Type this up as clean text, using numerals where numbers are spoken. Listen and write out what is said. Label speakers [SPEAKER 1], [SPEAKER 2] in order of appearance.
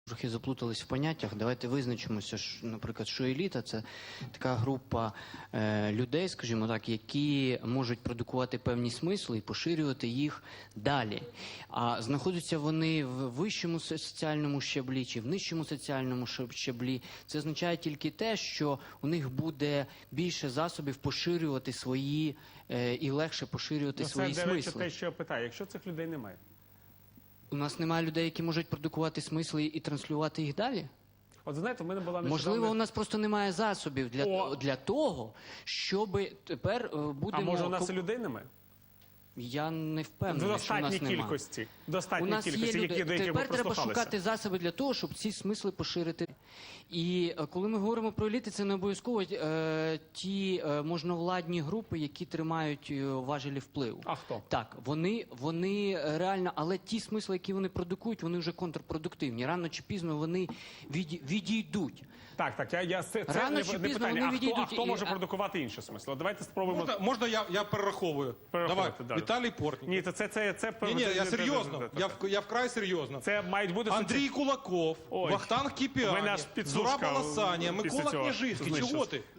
[SPEAKER 1] Трохи заплутались в поняттях. Давайте визначимося, наприклад, що еліта – це така група людей, скажімо так, які можуть продукувати певні смисли і поширювати їх далі. А знаходяться вони в вищому соціальному щаблі чи в нижчому соціальному щаблі. Це означає тільки те, що у них буде більше засобів поширювати свої і легше поширювати свої
[SPEAKER 2] смисли. Це, до речі,
[SPEAKER 1] смисли.
[SPEAKER 2] те, що я питаю. Якщо цих людей немає?
[SPEAKER 1] У нас немає людей, які можуть продукувати смисли і транслювати їх далі?
[SPEAKER 2] От знаєте, в мене була нещодавно...
[SPEAKER 1] Можливо, у нас просто немає засобів для того, щоб тепер будемо...
[SPEAKER 2] А може у нас і людей немає?
[SPEAKER 1] Я не впевнений, що у нас немає.
[SPEAKER 2] Достатній кількості, які ми
[SPEAKER 1] Тепер треба шукати засоби для того, щоб ці смисли поширити. І коли ми говоримо про еліти, це не обов'язково ті можновладні групи, які тримають важелі впливу.
[SPEAKER 2] А хто?
[SPEAKER 1] Так, вони реально, але ті смисли, які вони продукують, вони вже контрпродуктивні. Рано чи пізно вони відійдуть.
[SPEAKER 2] Так, це
[SPEAKER 1] Рано чи
[SPEAKER 2] не
[SPEAKER 1] пізно
[SPEAKER 2] питання.
[SPEAKER 1] вони відійдуть.
[SPEAKER 2] А хто може продукувати інші смисли? Давайте спробуємо...
[SPEAKER 3] Можна я перераховую? Давай, Віталій Портніков.
[SPEAKER 2] Ні, це...
[SPEAKER 3] Ні, я серйозно. Я вкрай серйозно.
[SPEAKER 2] Це мають бути...
[SPEAKER 3] Андрій Кулаков, Вахтанг Кіпіані, Зураб Аласанія, Микола Княжицький. Чого ти?